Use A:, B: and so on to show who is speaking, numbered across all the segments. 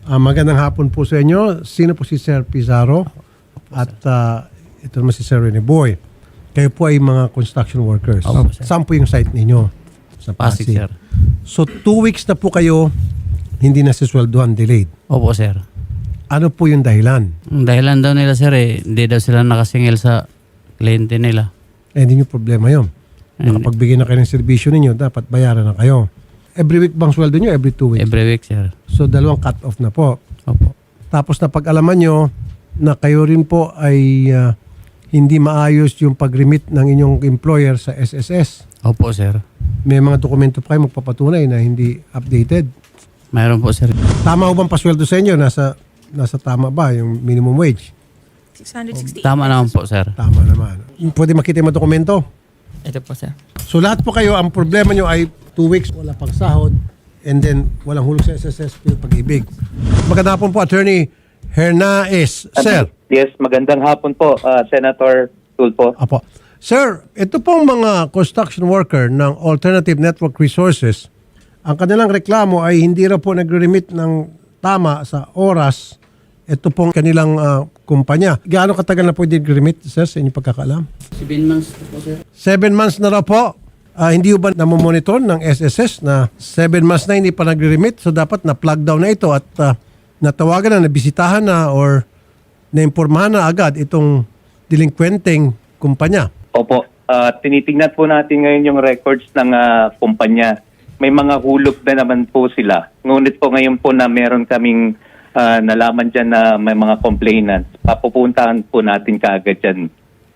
A: Magandang hapon po sa inyo. Sino po si Sir Pizarro? At ito naman si Sir Rene Boy. Kayo po ay mga construction workers.
B: Opo, sir.
A: Saan po yung site ninyo? Sa
B: Pasig, sir.
A: So 2 weeks na po kayo hindi nasisweldohan, delayed.
B: Opo, sir.
A: Ano po yung dahilan?
B: Ang dahilan daw nila, sir, hindi daw sila nakasingil sa kliyente nila.
A: Hindi nyo problema yun. Nakapagbigay na kayo ng serbisyo ninyo, dapat bayaran na kayo. Every week bang sweldo nyo? Every 2 weeks?
B: Every week, sir.
A: So 2 cut-off na po.
B: Opo.
A: Tapos na pag-alaman nyo na kayo rin po ay hindi maayos yung pag-remit ng inyong employer sa SSS.
B: Opo, sir.
A: May mga dokumento pa kayo magpapatunay na hindi updated.
B: Mayroon po, sir.
A: Tama ho bang pasweldo sa inyo? Nasa tama ba yung minimum wage?
C: 668.
B: Tama naman po, sir.
A: Tama naman. Pwede makita yung mga dokumento?
D: Ito po, sir.
A: So lahat po kayo, ang problema nyo ay 2 weeks, wala pang sahod, and then walang hulog sa SSS, pag-ibig. Magandang hapon po, Attorney Hernaez. Sir.
E: Yes, magandang hapon po, Senator Tulfo.
A: Apo. Sir, ito pong mga construction worker ng Alternative Network Resources, ang kanilang reklamo ay hindi raw po nagre-remit ng tama sa oras. Ito pong kanilang kumpanya. Gaano katagal na po hindi nagre-remit, sir, sa inyong pagkakaalam?
B: 7 months po, sir.
A: 7 months na raw po. Hindi ba namomonitor ng SSS na 7 months na hindi pa nagre-remit? So dapat na-plug down na ito at natawagan na, nabisitahan na or naimpormahan na agad itong delinquenteng kumpanya.
E: Opo, tinitingnan po natin ngayon yung records ng kumpanya. May mga hulog na naman po sila. Ngunit po ngayon po na meron kaming nalaman dyan na may mga complainants. Papupuntahan po natin kaagad dyan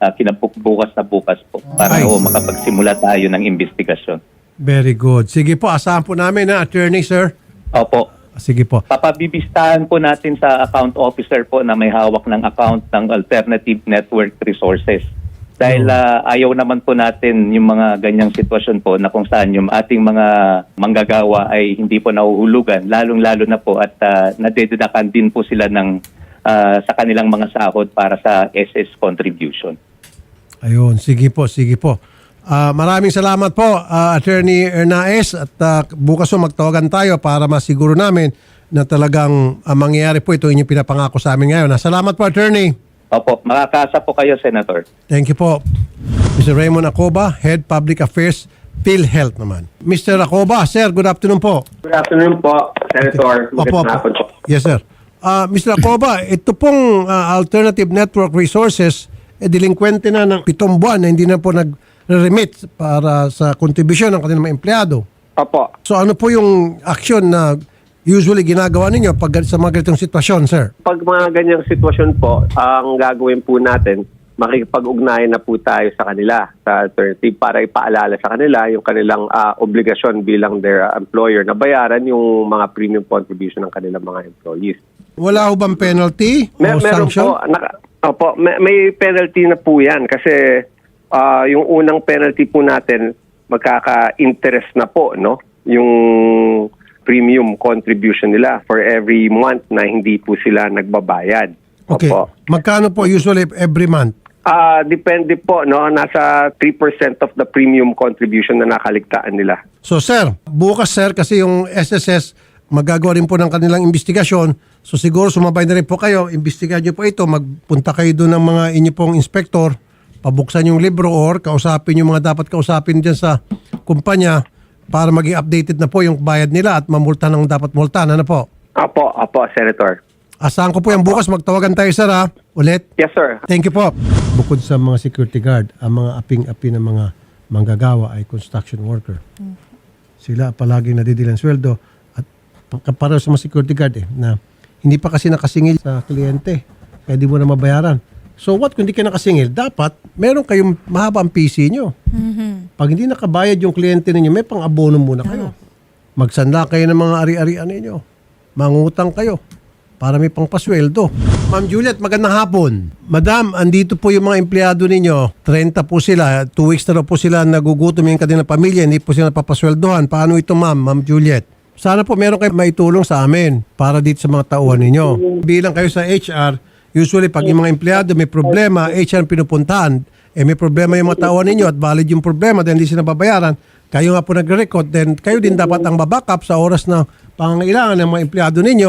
E: bukas na bukas po para po makapagsimula tayo ng investigasyon.
A: Very good. Sige po, asahan po namin na attorney, sir.
E: Opo.
A: Sige po.
E: Papabibistahan po natin sa account officer po na may hawak ng account ng Alternative Network Resources. Dahil ayaw naman po natin yung mga ganyang sitwasyon po na kung saan yung ating mga manggagawa ay hindi po nahuhulugan, lalong-lalo na po at nadededakan din po sila ng sa kanilang mga sahod para sa SS contribution.
A: Ayun, sige po, sige po. Maraming salamat po, Attorney Hernaez, at bukas po magtawagan tayo para masiguro namin na talagang mangyayari po ito inyong pinapangako sa amin ngayon. Salamat po, Attorney.
E: Opo, makakaasa po kayo, Senator.
A: Thank you po. Mr. Raymond Acoba, Head Public Affairs, PhilHealth naman. Mr. Acoba, sir, good afternoon po.
F: Good afternoon po, Senator. Magandang hapon po.
A: Yes, sir. Mr. Acoba, ito pong Alternative Network Resources, delinquente na ng 7 buwan na hindi na po nag-remit para sa kontribusyon ng kanilang mga empleyado.
F: Opo.
A: So ano po yung action na usually ginagawa ninyo pag sa mga ganitong sitwasyon, sir?
F: Pag mga ganyang sitwasyon po, ang gagawin po natin, makikipag-ugnayan na po tayo sa kanila, sa alternative, para ipaalala sa kanila yung kanilang obligasyon bilang their employer na bayaran yung mga premium contribution ng kanilang mga employees.
A: Wala ho bang penalty o
F: Meron
A: sanction?
F: po, may penalty na po yan kasi yung unang penalty po natin, magkaka-interest na po, no? Yung premium contribution nila for every month na hindi po sila nagbabayad.
A: Okay.
F: Opo.
A: Magkano po usually every month?
F: Depende po, no? Nasa 3% of the premium contribution na nakaligtaan nila.
A: So sir, bukas sir, kasi yung SSS magagawa rin po ng kanilang investigasyon. So siguro sumabay na rin po kayo, imbestigahan nyo po ito, magpunta kayo doon ng mga inyo pong inspector, pabuksan yung libro or kausapin yung mga dapat kausapin dyan sa kumpanya para maging updated na po yung bayad nila at mamulta ng dapat multahan. Ano po?
F: Opo, Senator.
A: Asahan ko po yung bukas, magtawagan tayo sir ha, ulit.
F: Yes, sir.
A: Thank you po. Bukod sa mga security guard, ang mga aping-api ng mga manggagawa ay construction worker. Sila palaging nadidilang sweldo at para sa mga security guard na hindi pa kasi nakasingil sa kliyente kaya di mo na mabayaran. So what kung hindi ka nakasingil? Dapat meron kayong mahaba ang PC nyo. Pag hindi nakabayad yung kliyente ninyo, may pang-abono muna kayo. Magsanla kayo ng mga ari-arian ninyo. Mangutang kayo para may pangpasweldo. Ma'am Juliet, magandang hapon. Madam, andito po yung mga empleyado ninyo. 30 po sila. 2 weeks na raw po sila nagugutom yung kanilang pamilya. Hindi po sila napapasweldohan. Paano ito, Ma'am Juliet? Sana po meron kayo maitulong sa amin para dito sa mga tauhan ninyo. Bilang kayo sa HR, usually pag yung mga empleyado may problema, HR ang pinupuntahan. May problema yung mga tauhan ninyo at valid yung problema dahil hindi sila babayaran. Kayo nga po nagre-record, then kayo din dapat ang babackup sa oras na pangangailangan ng mga empleyado ninyo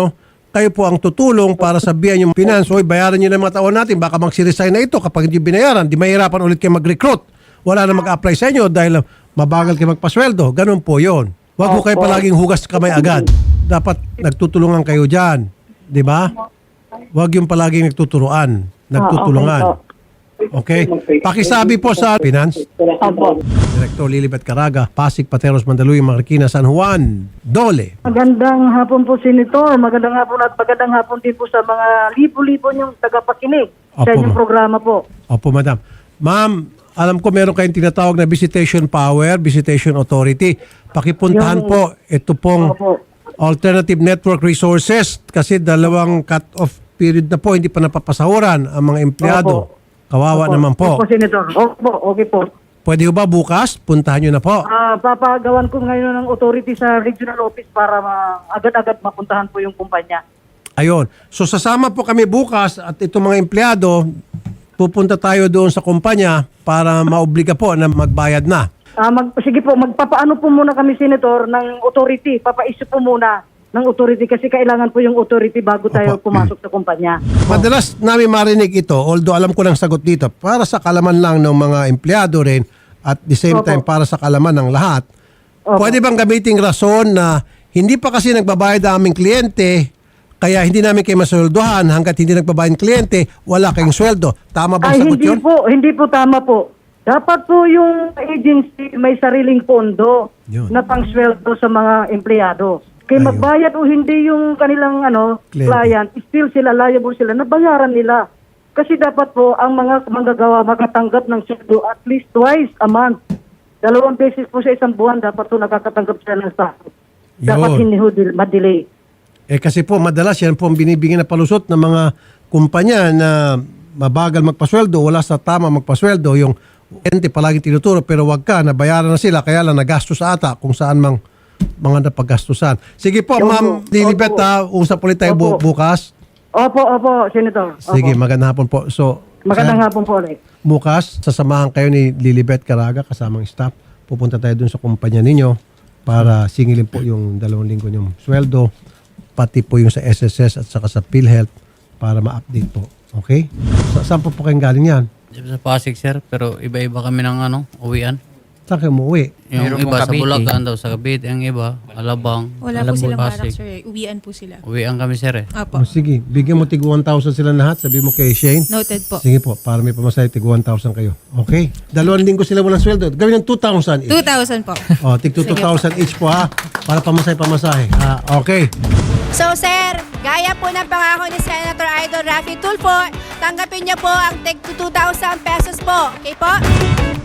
A: kayo po ang tutulong para sabihan yung finance, oy, bayaran nyo na yung mga tao natin, baka magsiresign na ito kapag hindi binayaran, di mahirapan ulit kayo mag-recruit. Wala na mag-apply sa inyo dahil mabagal kayo magpasweldo. Ganun po yon. Huwag po kayo palaging hugas kamay agad. Dapat nagtutulungan kayo dyan. Di ba? Huwag yung palaging nagtutulungan. Okay? Pakisabi po sa finance. Director Lilibet Caraga, Pasig, Pateros, Mandaluyong, Marikina, San Juan, Dole.
C: Magandang hapon po, Senator. Magandang hapon at magandang hapon din po sa mga libo-libo niyong tagapakinig sa
A: Opo,
C: inyong
A: ma'am.
C: programa po.
A: Opo, madam. Ma'am, alam ko meron kayong tinatawag na visitation power, visitation authority. Pakipuntahan po ito pong
C: Opo.
A: alternative network resources kasi dalawang cut-off period na po, hindi pa napapasahuran ang mga empleyado.
C: Opo.
A: Kawawa
C: Opo.
A: naman po.
C: Opo, Senator. Opo, okay po.
A: Pwede ba bukas? Puntahan nyo na po.
C: Papagawan ko ngayon ng authority sa regional office para agad-agad mapuntahan po yung kumpanya.
A: Ayun. So sasama po kami bukas at itong mga empleyado, pupunta tayo doon sa kumpanya para maobliga po na magbayad na.
C: Sige po, magpapaano po muna kami, Senator, ng authority. Papaisip po muna ng authority kasi kailangan po yung authority bago tayo
A: Opo.
C: pumasok sa kumpanya.
A: Madalas namin marinig ito, although alam ko ng sagot dito, para sa kalaman lang ng mga empleyado rin at the same
C: Opo.
A: time para sa kalaman ng lahat.
C: Opo.
A: Pwede bang gamiting rason na hindi pa kasi nagbabayad ang aming kliyente, kaya hindi namin kayo masweldohan hanggat hindi nagbabayad ang kliyente, wala kayong sweldo. Tama ba ang sagot yun?
C: Hindi po tama po. Dapat po yung agency may sariling pondo
A: Yun.
C: na pangsweldo sa mga empleyado. Kaya
A: Ayun.
C: magbayad o hindi yung kanilang client, still sila liable sila, nabayaran nila. Kasi dapat po ang mga manggagawa makatanggap ng sweldo at least twice a month. 2 beses po sa isang buwan dapat po nakakatanggap sila ng sahod. Dapat
A: Yun.
C: hindi ho ma-delay.
A: Kasi po madalas yan po ang binibigyan na palusot ng mga kumpanya na mabagal magpasweldo, wala sa tama magpasweldo, yung ente palagi tinuturo pero wag ka, nabayaran na sila, kaya lang nagastos ata kung saan mang mga napagastusan. Sige po, Ma'am Lilibet, usap ulit tayo
C: Opo.
A: bukas.
C: Opo, Senator. Opo.
A: Sige, magandang hapon po. So,
C: Magandang hapon po ulit.
A: bukas, sasamahan kayo ni Lilibet Caraga kasamang staff. Pupunta tayo dun sa kumpanya ninyo para singilin po yung 2 linggo nyong sweldo, pati po yung sa SSS at saka sa PhilHealth para ma-update po. Okay? Saan po kayong galing yan?
B: Sa Pasig, sir, pero iba-iba kami ng uwian.
A: Saan kayo umuwi?
B: Yung
D: Meron
B: iba
D: pong
B: sa
D: Cavite.
B: Bulacan daw, sa Cavite. Ang iba, Alabang.
G: Wala po silang
B: Pasig.
G: barak, sir. Uwian po sila.
B: Uwian kami, sir, eh.
G: Apo.
A: Sige, bigyan mo tig 1,000 sila lahat. Sabi mo kay Shane.
G: Noted po.
A: Sige po, para may pamasahe tig 1,000 kayo. Okay? 2 linggo sila walang sweldo. Gawin ng 2,000 each.
G: 2,000 po.
A: O, tig 2,000 each po ha. Para pamasahe. Okay.
H: So sir, gaya po ng pangako ni Senator Idol Raffy Tulfo, tanggapin niyo po ang tig 2,000 pesos po. Okay po?